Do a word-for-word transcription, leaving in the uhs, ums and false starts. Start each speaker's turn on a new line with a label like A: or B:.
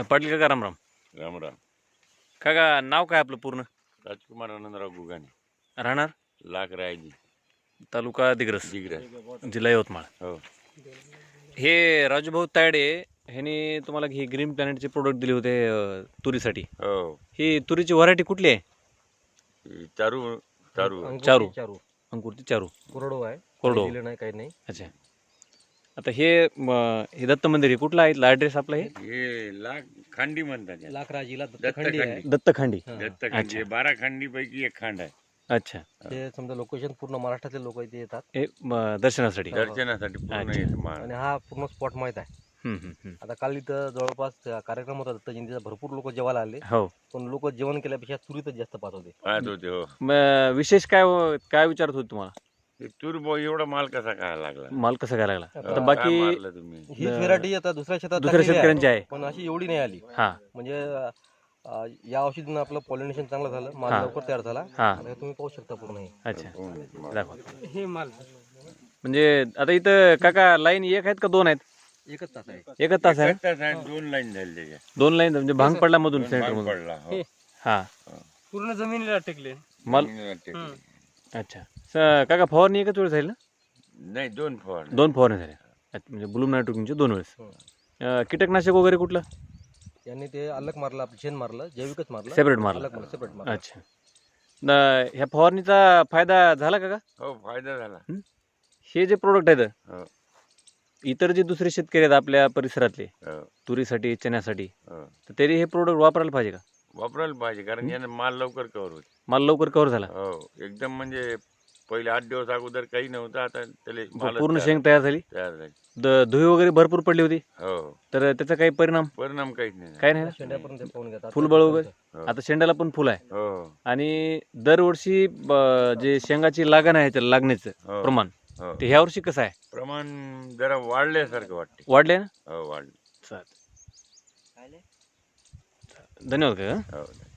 A: पाटील काका राम राम.
B: राम राम.
A: काका नाव काय आपलं पूर्ण?
B: राजकुमार आनंदराव गुगाने,
A: राहणार
B: लाख रायजी,
A: तालुका दिग्रस,
B: दिग्रस,
A: जिल्हा यवतमाळ.
B: हो.
A: हे राजूभाऊ तायडे ह्यांनी तुम्हाला ही ग्रीन प्लॅनेटचे प्रोडक्ट दिले होते अं, तुरीसाठी.
B: हो.
A: ही तुरीची व्हरायटी कुठली आहे?
B: ही चारू चारू
A: चारू.
C: चारू
A: अंकुरची चारू.
C: कोरडो आहे.
A: कोरडो.
C: दिलं नाही काही नाही.
A: अच्छा. आता हे म, हे दत्त मंदिर आहे कुठला आहे? ॲड्रेस आपला हे
B: हे लाख खांडी म्हणतात याला.
C: लाखराजीला
B: दत्तखंडी
C: दत्तखंडी आहे.
A: दत्तखांडी.
C: हा.
B: दत्तखंडी हे बारा खंडीपैकी एक खांड आहे.
A: अच्छा.
C: ते समजा लोकेशन पूर्ण महाराष्ट्रातले लोक इथे येतात
A: हे म, दर्शनासाठी.
B: दर्शनासाठी पूर्ण
A: अच्छा.
B: येत माळ.
C: आणि हा पूर्ण स्पॉट माहीत आहे.
A: हम्म, हम्म, हम्म.
C: आता काल इथं जवळपास कार्यक्रम होता दत्त जयंतीचा, भरपूर लोक जेवायला आले,
A: हो.
C: पण लोक जेवण केल्यापेक्षा तुरीतच जास्त पाहत होते.
B: पाहत होते. हो.
A: म, विशेष काय काय विचारत होते तुम्हाला?
B: ते तूर बो एवढा माल कसा काय लागला?
A: माल कसा काय लागला?
C: आता
A: आता
B: काय
A: बाकी
B: मारलं तुम्ही?
C: ही व्हेरायटी आता दुसऱ्या शेतात
A: दुसऱ्या
C: टाकलेली आहे,
A: शेतकऱ्यांची आहे.
C: पण अशी एवढी नाही आली.
A: हा
C: म्हणजे अं, या औषधीनं आपलं पॉलिनेशन चांगलं झालं, माल
A: हा.
C: लवकर तयार झाला.
A: हा.
C: आता हे तुम्ही पाहू शकता पूर्ण हे.
A: अच्छा.
B: माल.
A: दाखवा.
C: हे माल
A: म्हणजे आता इथं काका लाईन एक आहेत का दोन आहेत?
C: एकच तास आहे.
A: एकच तास आहे.
B: एकच तास आहे, दोन लाईन झाली त्याच्या.
A: दोन लाईन म्हणजे भांग पडला मधून
B: दोन
A: सेंटर
B: भाग
A: मधून.
B: पडला. हो.
A: हा.
C: पूर्ण जमिनीला टेकले.
A: माल.
B: जमिनीला टेकली.
A: अच्छा. स- काका फवारणी एकच वेळेस झाली ना?
B: नाही, दोन फवार.
A: दोन फवारणी झाल्या. अच्छा, म्हणजे ब्लूम नायट्रोजनचे दोन वेळेस.
C: हो.
A: अं, कीटकनाशक वगैरे कुठलं?
C: यांनी ते अलग मारलं, आपलं शेण मारलं, जैविकच मारलं,
A: सेपरेट मारलं.
C: अलग मारलं, सेपरेट मारलं.
A: अच्छा. न- ह्या फवारणीचा फायदा झाला का?
B: हो, फायदा झाला.
A: हे जे प्रोडक्ट आहेत
B: हो.
A: इतर जे दुसरे शेतकरी आहेत आपल्या परिसरातले
B: हो.
A: तुरीसाठी चण्यासाठी,
B: हो.
A: तर तरी हे प्रोडक्ट वापरायला पाहिजे का?
B: वापरायला पाहिजे, कारण यानं माल लवकर कव्हर होते.
A: माल लवकर कव्हर झाला.
B: हो, एकदम म्हणजे पहिले आठ दिवस अगोदर काही नव्हतं, आता त्याला मालच
A: पूर्ण
B: तयार-
A: शेंग तयार झाली.
B: तयार झाली.
A: द- धुळी वगैरे भरपूर पडली होती,
B: हो,
A: तर त्याचा काही परिणाम
B: परिणाम काहीच नाही.
A: काय नाही ना?
C: शेंड्यापर्यंत ते पाहून घेतात.
A: फुलबळ वगैरे.
B: हो.
A: आता शेंड्याला पण फुल आहे
B: हो.
A: आणि दरवर्षी ब- जे शेंगाची लागण आहे त्याला लागण्याचं
B: हो.
A: प्रमाण,
B: हो.
A: ते ह्या वर्षी कसं आहे?
B: प्रमाण जरा वाढल्यासारखं वाटते.
A: वाढले ना?
B: हो, वाढलं.
A: चालेल. धन्यवाद का.
B: हो.